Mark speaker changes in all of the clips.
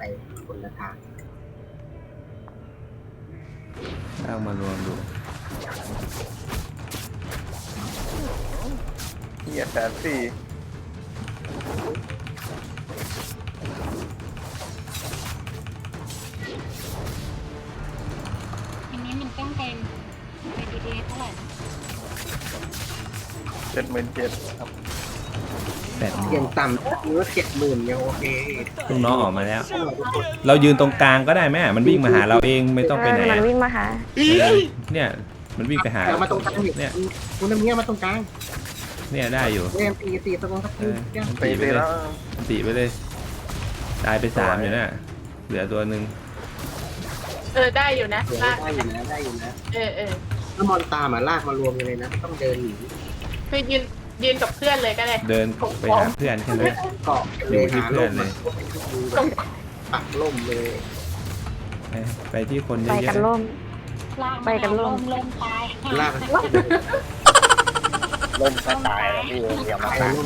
Speaker 1: ไปคนละทาง
Speaker 2: เอามารวมดู
Speaker 3: เฮียแสนสี่
Speaker 4: อันนี้มันต้องเป็นดีเท่าไหร่นะ
Speaker 3: 77,000ครับ
Speaker 1: เยังต่ำหรือว่า70,000ยังโอเค
Speaker 2: ลูกน้องออกมาแล้ว เรายืนตรงกลางก็ได้แม่มันวิ่งมาหาเราเองไม่ต้องไปไหน
Speaker 5: มันวิ่งมาหา
Speaker 2: เนี่ยมันวิ่งไปหา
Speaker 1: เอามาตรงกลางนี่
Speaker 2: เนี่ย
Speaker 1: คุณน้ำเงี้ยมาตรงกลาง
Speaker 2: เนี่ยได้อยู่
Speaker 1: เล่นตีตะกงสัก
Speaker 2: เอ
Speaker 1: ที
Speaker 2: อ
Speaker 3: ตีไปแล้ว
Speaker 2: ตีไปเลยตายไป3อยู่น่ะเหลือตัวหนึ่ง
Speaker 6: ได้อยู่นะลาก
Speaker 1: ได้อยู่นะได้อยู่นะ
Speaker 6: เ
Speaker 1: ถ้ามอนตามลากมารวมกันเลยนะต้องเดินหนี
Speaker 6: คือยืนกับเพื่อนเลยก็ได้
Speaker 2: เดินไปหาเพื่อนใช่ไหม
Speaker 1: เกาะ
Speaker 2: อยู่ที่เพื่อนเลย
Speaker 1: ปักล่มเลย
Speaker 2: ไปที่คนเย
Speaker 5: ไป
Speaker 2: อะ
Speaker 5: กันล่ม
Speaker 4: ลาก
Speaker 5: ไปกันร่วม
Speaker 4: ลมตาย
Speaker 1: ลาก
Speaker 7: ล่มก็ตายแล้วพี่เดี๋ยวมา
Speaker 1: ไป
Speaker 7: ตาย
Speaker 1: ล่ม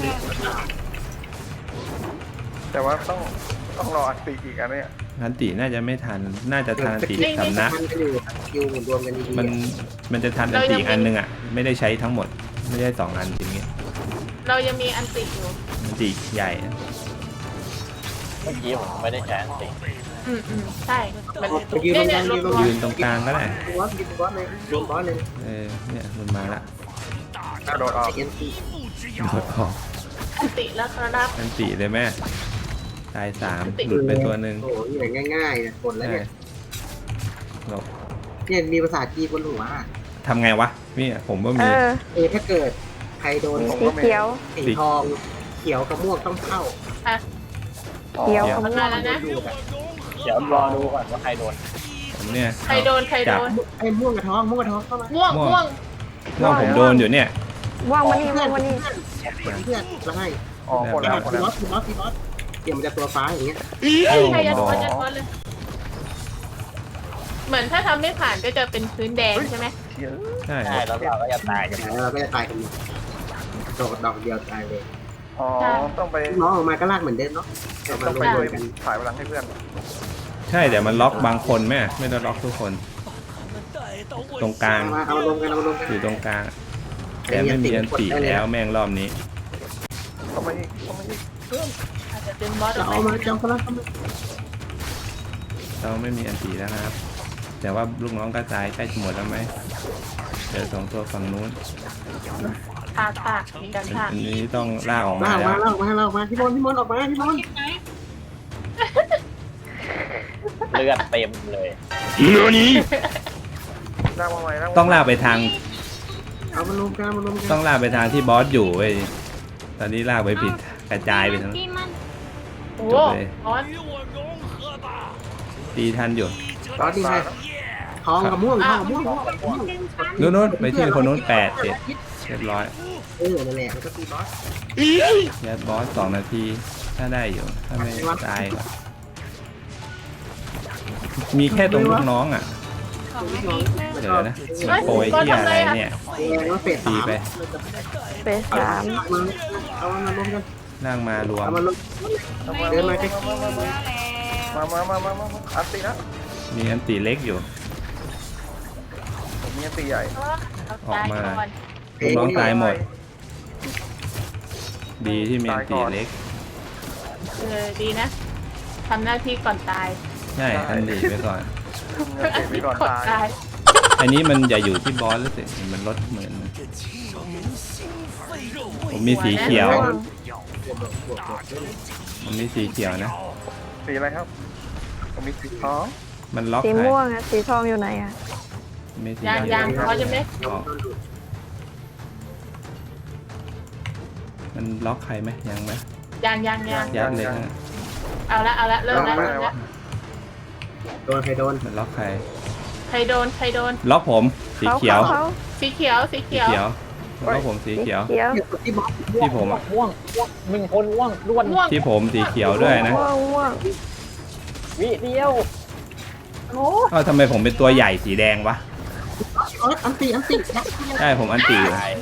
Speaker 3: แต่ว่าต้องรออัดตีอีกอันเนี้ย
Speaker 2: ๆทันติน่าจะไม่ทันน่าจะทันติสำนัก
Speaker 1: มันก็อยู่คิวรวมกันดีๆ
Speaker 2: มันจะทันทันติอีกอันหนึงอ่ะไม่ได้ใช้ทั้งหมดไม่ได้2 อันอย่างเงี้ย
Speaker 6: เรายังมีอันติอยู่
Speaker 2: ทันติใหญ่นะ
Speaker 7: เมื่อกี้ผมไม่ได้ใช้อันติ
Speaker 6: ใช่มัน
Speaker 1: ยืนตรงกลาง
Speaker 2: ยืนตรงกลางก็ได้
Speaker 1: บอสยืนบอสเลยยืนบอสเลย
Speaker 2: เนี่ยมันมาละ
Speaker 3: กระโดดออก
Speaker 1: เอ็นซี
Speaker 2: โดดออก
Speaker 6: อันติแล้วครับ
Speaker 2: ทันติเลยแม่ตาย3หลุดไปตัวหนึ่ง
Speaker 1: โอ้โหอย่างง่ายๆนะคนแล้วเนี่ย
Speaker 2: หลบ
Speaker 1: เนี่ยมีภาษาจีนบนหัว
Speaker 2: ทำไงวะนี่ผมว่า
Speaker 5: เอ
Speaker 2: มี
Speaker 1: ถ้าเกิดใครโดน
Speaker 5: สีเขียว
Speaker 1: สีทองเขียวกับม่วงต้องเข้า
Speaker 5: เขียว
Speaker 6: มันมาแล้วนะ
Speaker 1: ดูแบบ
Speaker 7: เดี๋ยวรอดูก่อนว่าใครโดน
Speaker 2: ผมเนี่ย
Speaker 6: ใครโดน
Speaker 1: ไอ้ม่วงกับทองเข้ามา
Speaker 6: ม่วง
Speaker 2: ว่าผมโดนอยู่เนี่ย
Speaker 5: ว่างมานี่ว่างมานี่
Speaker 1: เพื่อนไล่
Speaker 3: อ๋อคนละคน
Speaker 1: บ
Speaker 3: ละ
Speaker 1: อสเดี๋ยวมันจะตัวฟ้าอย่างเงี้ย
Speaker 6: ใครจะโดนเลย เหมือนถ้าทำไม่ผ่านก็จะเป็นพื้นแดงใช่ไหม
Speaker 3: เชี่ย
Speaker 2: ใช่
Speaker 7: ใช่แล้วเราก็จะตายกัน
Speaker 1: เราก็จะตายกันหมดดอกเดียวตายเลย
Speaker 3: อ๋อต้องไป
Speaker 1: น้องออกมาก็ลากเหมือนเดิมเนาะเอามา
Speaker 3: ต้อง
Speaker 1: ร
Speaker 3: ไป
Speaker 1: วมกัน
Speaker 3: ถ่ายพลังให้เพื่อน
Speaker 2: ใช่เดี๋ยวมันล็อกบางคนแม่ไม่ได้ล็อกทุกคน ตรงกลาง
Speaker 1: เอารวมกัน
Speaker 2: อยู่ตรงกลางแต่ไม่มีอันติแล้วแม่งรอบนี้
Speaker 3: ต้องไปอีก
Speaker 6: อาจจะเป็นบอส
Speaker 1: จะเอามาจำเขาแล้วเข้ามา
Speaker 2: เราไม่มีอันติแล้วนะครับ แต่ว่าลูกน้องกระจายใกล้จะหมดแล้วไหมเจอ2 ตัวฝั่งนู้น
Speaker 6: ภาคมีการภาค
Speaker 2: อันนี้ต้องลากออกมา
Speaker 1: ลาก
Speaker 2: แล้ว
Speaker 1: มาพี่มนออกมาพี่มน
Speaker 7: เลือดเต็มเลย
Speaker 3: ลากมาใหม่
Speaker 2: ต้องลากไปทาง
Speaker 1: เอามารวมกัน
Speaker 2: ต้องลากไปทางที่บอสอยู่เว้ยตอนนี้ลากไปผิดกระจายไปทั้ง
Speaker 4: ที่มัน
Speaker 6: โอ้บอส
Speaker 2: ตีทันอยู่
Speaker 1: ตอนนี้ไงทองกับม่วง
Speaker 2: นู้นไปที่คนนู้น8 เสร็จเรียบร้อย
Speaker 1: นั่นแหละมันก็ตีบอส
Speaker 2: ยัดบอส2 นาทีถ้าได้อยู่ถ้าไม่ตายก็มีแค่ตรงลูกน้องอ่ะ
Speaker 4: ของนาที
Speaker 2: เดี๋ยวนะมันโปรยที่อะไรเนี่ย
Speaker 1: ว่าเฟส
Speaker 2: ตีไป
Speaker 5: เฟส
Speaker 1: เอามารวมกัน
Speaker 2: นั่งมารวม
Speaker 1: เอามารวมเดินมาใกล้
Speaker 3: มาอัดตีนะ
Speaker 2: มีอันตีเล็กอยู่
Speaker 3: ผมมีอันตีใหญ่
Speaker 2: ออกมาลูกน้องตายหมด ดีที่มีอันตีเล็ก
Speaker 6: ดีนะทำหน้าที่ก่อนตาย
Speaker 2: ใช่อันดีไปก่อน
Speaker 3: อันตีไปก่อนตาย
Speaker 2: อันนี้มันอย่าอยู่ที่บอสแล้วสิมันลดเหมือนผมมีสีเขียวผมมีสีเขียวนะ
Speaker 3: สีอะไรครับผมมีสีทอง
Speaker 2: มันล็อก
Speaker 5: สี
Speaker 2: ใคร
Speaker 5: ม่วงอะสีทองอยู่ไหนอะ
Speaker 2: ไม่สี
Speaker 6: ยังเขาจะไม่
Speaker 2: อ๋อมันล็อกใครไหมยังไหม
Speaker 6: ยัง
Speaker 2: ยัดเลยนะ
Speaker 6: เอาละเริ่มแล้ว
Speaker 1: โดนใครโดน
Speaker 2: มันล็อกใคร
Speaker 6: ใครโดน
Speaker 2: ล็อกผมสีเขียว
Speaker 6: สีเขียว
Speaker 2: ล็อกผมสีเขียว
Speaker 5: เขียว
Speaker 1: ที่บอส
Speaker 2: ที่ผม
Speaker 7: ม่วงมึงคนม่วงล้วน
Speaker 2: ที่ผมสีเขียวด้วยนะ
Speaker 5: ม่วง
Speaker 7: วิเดียว
Speaker 2: ทำไมผมเป็นตัวใหญ่สีแดงวะ
Speaker 1: อันตี
Speaker 2: ใช่ผมอันตีอยู่
Speaker 7: ตาย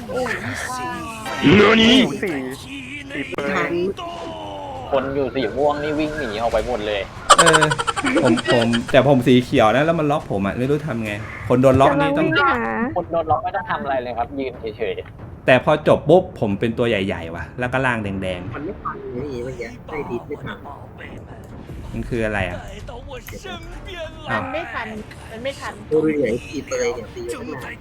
Speaker 3: สีเปิด
Speaker 1: ทัน
Speaker 7: คนอยู่สีม่วงนี่วิ่งหนีออกไปหมดเลย
Speaker 2: เอแต่ผมสีเขียวนะแล้วมันล็อกผมอ่ะไม่รู้ทำไงคนโดนล็อกนี่ต้อง
Speaker 5: กำลัวิ่ไปหา
Speaker 7: คนโดนล็อกไม่ต้องทำอะไรเลยครับ ยืนเฉย
Speaker 2: แต่พอจบปุ๊บผมเป็นตัวใหญ่ๆว่ะแล้วก็ล่างแดง
Speaker 1: มันไม่ทันเลยนี่เมื่อกี้ได้ดิสไม่ทัน
Speaker 2: ๆมันคืออะไรอ่ะอ้าว
Speaker 6: มันไม่ทัน มันไม่ทัน
Speaker 1: ดูเหลืองตีเตยเนี่ยตีอยู่ตั้งนาน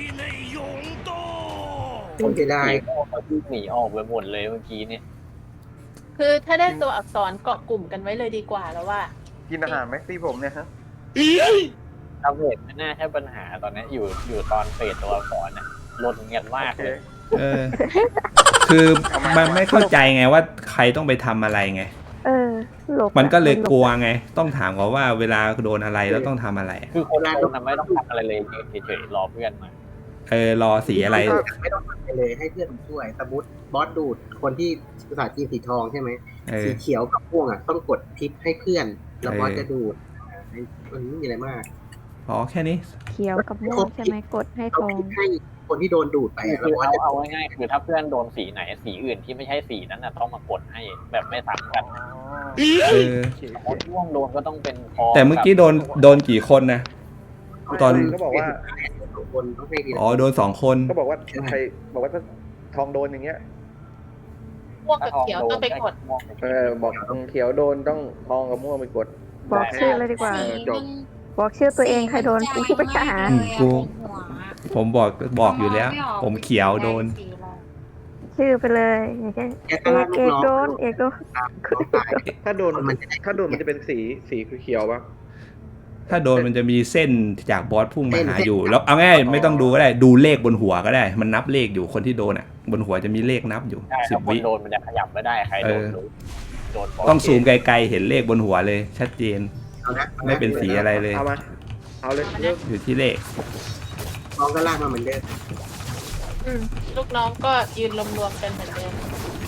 Speaker 1: ต้องเสีย
Speaker 7: ๆ
Speaker 1: ดาย
Speaker 7: หนีออกไปหมดเลยเมื่อกี้เนี่ย
Speaker 6: คือถ้าได้ตัวอักษรเกาะกลุ่มกันไว้เลยดีกว่าแล้วว่า
Speaker 3: กินอาหารไหมตีผมเนี่ยฮะ
Speaker 7: ดาเมจไม่น่าใช่ปัญหาตอนนี้อยู่ตอนเฟดตัวก่อนน่ะลดเงียบมาก
Speaker 3: โอเค
Speaker 7: เลย
Speaker 2: เออคือมันไม่เข้าใจไงว่าใครต้องไปทำอะไรไง
Speaker 5: หลบ
Speaker 2: มันก็เลยกลัวไงต้องถามเขาว่าเวลาโดนอะไรแล้วต้องทำอะไรอะ
Speaker 7: คือคนโดนน่ะไม่ต้องทำอะไรเลยยืนเฉยๆรอเพื่อนมา
Speaker 2: รอสีอะไร
Speaker 1: ไม่ต้องทำอะไรเลยให้เพื่อนมันช่วยสมมติบอสดูดคนที่ภาษาจีนสีทองใช่ไหม สีเขียวกับม่วงอ่ะต้องกดทิปให้เพื่อนแล้วบอสจะดูดมันไม่มีอะไรมาก
Speaker 2: อ๋อแค่นี้
Speaker 5: เขียวกับม่วงใช่ไหมกดให้ท
Speaker 1: เอา
Speaker 5: อง
Speaker 1: ทิปให้คนที่โดนดูดไปอะแล้ว
Speaker 7: คือบ
Speaker 1: อสจะ
Speaker 7: เอาง่ายๆคือถ้าเพื่อนโดนสีไหนสีอื่นที่ไม่ใช่สีนั้นน่ะต้องมากดให้แบบไม่ซ้ำกัน
Speaker 2: เออ
Speaker 7: คนม่วงโดนก็ต้องเป็นทอง
Speaker 2: แต่เมื่อกี้โดนกี่คนนะ ตอน
Speaker 3: ก็บอกว่า
Speaker 1: สองคนต้องให้ทีละ
Speaker 2: อ๋อโดน2 คน
Speaker 3: ก็บอกว่าใครบอกว่าถ้าทองโดนอย่างเงี้ย
Speaker 6: ม่วงกับเขียวต้องไปกด
Speaker 3: บอกเขียวโดนต้องทองกับม่วงไปกด
Speaker 5: บอกชื่อเลยดีกว่า
Speaker 4: สี
Speaker 3: จบ
Speaker 5: บอกชื่อตัวเองใครโดนกูไปหา
Speaker 2: ผมบอกอยู่แล้ว ผมเขียวโดน
Speaker 5: ชื่อไปเลยอย่างเช่น
Speaker 1: แกก็ลากลูกน้อง
Speaker 5: โดนเอกโดน
Speaker 1: ตาย
Speaker 3: ถ้าโดนมันจะเป็นสีเขียวปะ
Speaker 2: ถ้าโดนมันจะมีเส้นจากบอสพุ่งมาหาอยู่ แล้วเอาง่ายไม่ต้องดูก็ได้ดูเลขบนหัวก็ได้ มันนับเลขอยู่คนที่โดนอ่ะ บนหัวจะมีเลขนับอยู่
Speaker 7: ใช่ถ้า
Speaker 2: 10
Speaker 7: คน
Speaker 2: วิ
Speaker 7: โดนมันจะขยับไม่ได้ใครโดนรู้โดนบก
Speaker 2: ต้องซูมไกลๆเห็นเลขบนหัวเลย ชัดเจน
Speaker 1: เอานะ
Speaker 2: ไม่เป็นสีอะไรเลย
Speaker 3: เอามาเอาเลยเลือก
Speaker 2: อยู่ที่เลข
Speaker 1: น้องก็ลากมาเหมือนเดิม
Speaker 6: ลูกน้องก็ยืนรวมๆกันเหมือนเดิม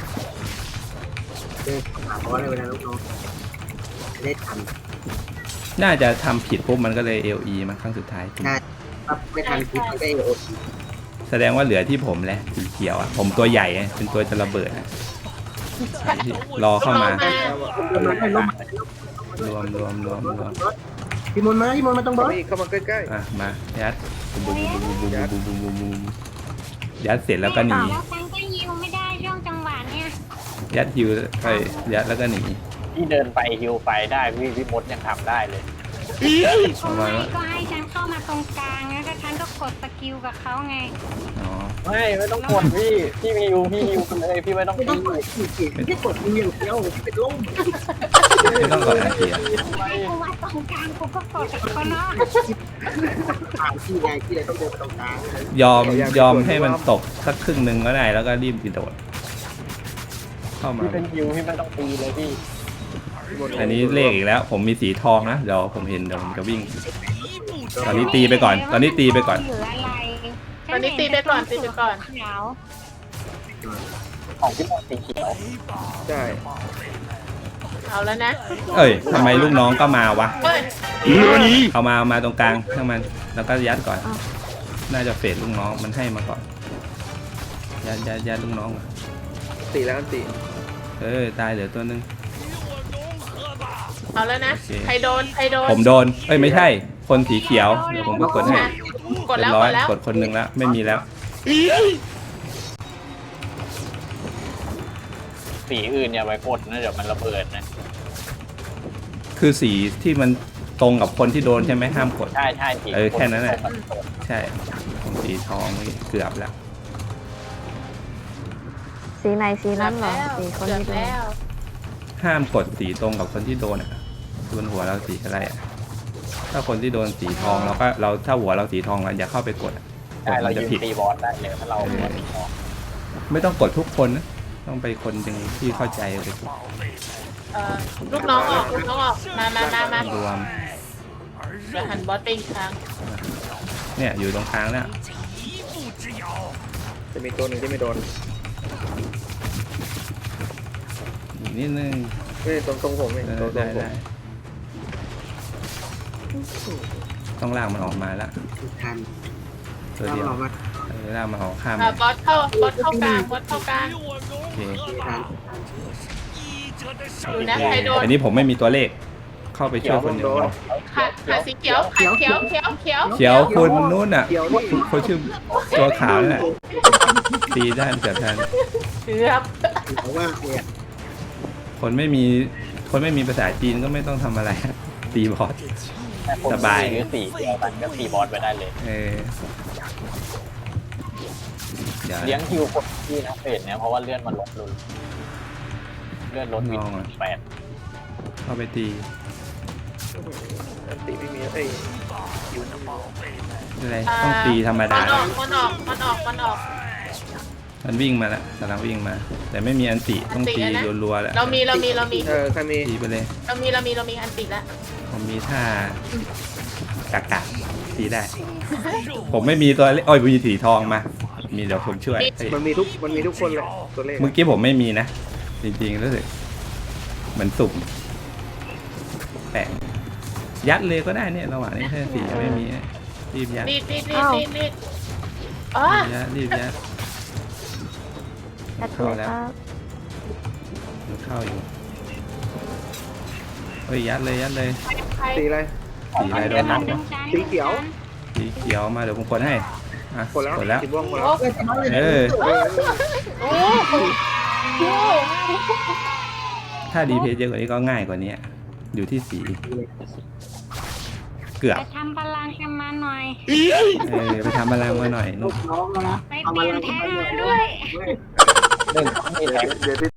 Speaker 1: เดินหาบอสเลยเวลาลูกน้องจะได้ทัน
Speaker 2: น่าจะทำผิดปุ๊บมันก็เลย LE มาครั้งสุดท้าย
Speaker 1: ถ้าไม่ทันคิดมันก็เอโอ
Speaker 2: แสดงว่าเหลือที่ผมแหละสีเขียวอ่ะผมตัวใหญ่อะเป็นตัวจะระเบิดอะรอเข้ามา รวม
Speaker 1: พี่มนมาต้องบอส
Speaker 3: เข้ามาใกล้
Speaker 2: อ่ะมายัดบูมยัดเสร็จแล้วก็หนี
Speaker 4: แล้วฉันก็ยิวไม่ได้ช่วงจังหวะเนี้ย
Speaker 2: ยัดฮิวไปยัดแล้วก็หนี
Speaker 7: ที่เดินไปฮิวไปได้พี่มดยังทำได้เลย
Speaker 4: ทำไมก็ให้ฉันเข้ามาตรงกลางแล้วก็ฉันก็กดสกิลกับเขาไง
Speaker 2: อ๋อ
Speaker 7: ไม่ต้องกดพี่ฮิวไปเลยพี่ไม่ต้อง
Speaker 1: ไม่ต้องกดขีดไม่กดมืออย่างเดียวเป็นล่ม
Speaker 2: ไม่ต้องกดอาเซีย
Speaker 4: ให้กูว่าตรงกลางกูก็กดกับเขาเนาะ
Speaker 1: ทางที่ไงที่เลยต้องเดินไปตรงกลาง
Speaker 2: ยอมให้มันตกสักครึ่งหนึ่งก็ได้แล้วก็รีบกระโดดเข้ามา
Speaker 7: พี่เป็นฮิวพี่ไม่ต้องตีเลยพี่
Speaker 2: อันนี้เลขอีกแล้ว ผมมีสีทองนะเดี๋ยวผมเห็นเดี๋ยวผมจะวิ่ง ตอนนี้ตีไปก่อน
Speaker 4: เหลืออะไร
Speaker 6: ตอนนี้ตีไปก่อน
Speaker 4: เขียว
Speaker 7: ของพี่มดสีเขียว
Speaker 3: ๆใช่
Speaker 6: เอาแล้วนะ
Speaker 2: เอ้ยทำไมลูกน้องก็มาวะ
Speaker 6: เฮ้ย
Speaker 2: เอามาตรงกลางทั้งมันแล้วก็ยัดก่อน น่าจะเฟดลูกน้องมันให้มาก่อนยัดลูกน้องก่อน
Speaker 3: ตีแล้วกันตี
Speaker 2: ตายเหลือตัวนึง
Speaker 6: เอาแล้วนะ
Speaker 2: โอเค
Speaker 6: ใครโดน
Speaker 2: ผมโดนไม่ใช่คนสีเขียวเดี๋ยวผมก็กดให้
Speaker 6: นะกด
Speaker 2: เรี
Speaker 6: แล้
Speaker 2: ยว บร้อย
Speaker 6: กดแล้ว
Speaker 2: กดคนหนึ่งแล้วไม่มีแล้ว
Speaker 7: สีอื่นอย่าไปกดนะเดี๋ยวมันระเบิดนะ
Speaker 2: คือสีที่มันตรงกับคนที่โดนใช่ไหมห้ามกด
Speaker 7: ใช่สี
Speaker 2: แค่นั้นแหละ ใช่ผมสีทองเกือบแล้ว
Speaker 5: สีไหนสีนั้นเหรอสีคน
Speaker 6: เกือบ
Speaker 5: ที่โดน
Speaker 6: แล้ว
Speaker 2: ห้ามกดสีตรงกับคนที่โดนอ่ะบนหัวเราสีอะไรอ่ะถ้าคนที่โดนสีทองเราถ้าหัวเราสีทองเราอย่าเข้าไปกดอะก
Speaker 7: ใช่
Speaker 2: ด
Speaker 7: เรา
Speaker 2: มันจะ
Speaker 7: ยืน
Speaker 2: ผิด
Speaker 7: ตีบอสได้เลยถ้าเราหัวสีทอง
Speaker 2: ไม่ต้องกดทุกคนนะต้องไปคนหนึ่งที่เข้าใจไปกด
Speaker 6: ลูกน้องออกมาร
Speaker 2: วม
Speaker 6: เดี๋ยวหันบอสไปอีกครั้ง
Speaker 2: เนี่ยอยู่ตรงกลางแล้ว
Speaker 3: จะมีตัวหนึ่งที่ไม่โดน
Speaker 2: อีกนิดนึง
Speaker 3: ไม่ตรงผมนี่ตรง
Speaker 2: ได้
Speaker 3: ผม
Speaker 2: ได้ต้องลากมันออกมาแล้ว
Speaker 1: ทัน
Speaker 2: ตัว
Speaker 1: ต้อง
Speaker 2: เดียว
Speaker 1: ลองมา
Speaker 2: ลากมันออกข้าม
Speaker 6: บอสเข้ากลาง
Speaker 2: โอเค
Speaker 1: ทัน
Speaker 6: ดูนะใครโดน
Speaker 2: อันนี้ผมไม่มีตัวเลขเข้าไปช่วยคนหนึ่ง
Speaker 6: ขาสีเขียวขาเขียวเขียวเขียว
Speaker 2: เขียวคนนู้นอ่ะ
Speaker 1: เดี๋ยวนี่
Speaker 2: คนชื่อตัวขาวนั่นแหละตีได้เกือบทัน
Speaker 6: เกือบ
Speaker 1: เพราะว่าเนี่ย
Speaker 2: คนไม่มีภาษาจีนก็ไม่ต้องทำอะไร ตีบอส
Speaker 7: แต่ผม
Speaker 2: สบาย
Speaker 7: หรือสีเดียวกันก็ตีบอสไปได้เลย
Speaker 2: เดี๋ยว
Speaker 7: เลี้ยงคิวคนที่นะเฟสเนี่ยเพราะว่าเลื่อนมันลดลุนเลื่อนลดวิน8
Speaker 2: เข้าไปตี
Speaker 3: ตีไม่มีเอ้ย
Speaker 2: อะไรต้องตีธรรมดา
Speaker 6: มันออก
Speaker 2: มันวิ่งมาแล้วกำลังวิ่งมา แต่ไม่มีอันติต้องตีรัวๆแหละ
Speaker 6: เรามี
Speaker 3: ใครมี
Speaker 2: ตีไปเลย
Speaker 6: เรามีอันติแล้ว
Speaker 2: ผมมีท่ากะตีได้ ผมไม่มีตัวเล็กอ้อยมีสีทองมา มีเดี๋ยวผมช่วย
Speaker 3: มันมีทุกคนเลยตัวเลข
Speaker 2: เมื่อกี้ผมไม่มีนะ จริงๆรู้สึกเหมือนสุ่มแปลกยัดเลยก็ได้เนี่ยระหว่างนี้ถ้าสียังไม่มีรีบยัด
Speaker 6: นี่อ๋อ
Speaker 2: รีบยัด
Speaker 5: แอดเลยครับ
Speaker 2: มันเข้าอยู่เฮ้ยยัดเลย
Speaker 3: ตีอะไร
Speaker 2: สีอะไรโดนนับวะ
Speaker 3: สีเขียว
Speaker 2: สีเขียวมาเดี๋ยวผมกดให้อ่ะ
Speaker 3: กดแล้ว
Speaker 2: กดแล้ว
Speaker 3: สีม่วงหมดแล้ว
Speaker 6: โอ้
Speaker 2: ถ้าดีเพจเยอะกว่านี้ก็ง่ายกว่านี้อยู่ที่สี เกือบ
Speaker 4: ไปทำพลังกันมาหน่อย
Speaker 2: ไปทำอะไรมาหน่อยนุ๊ก
Speaker 1: น้องแล้วนะ
Speaker 4: ไปเปลี่ยนท่าด้วย
Speaker 7: 1ต้องมีแทง
Speaker 3: เดี๋ยว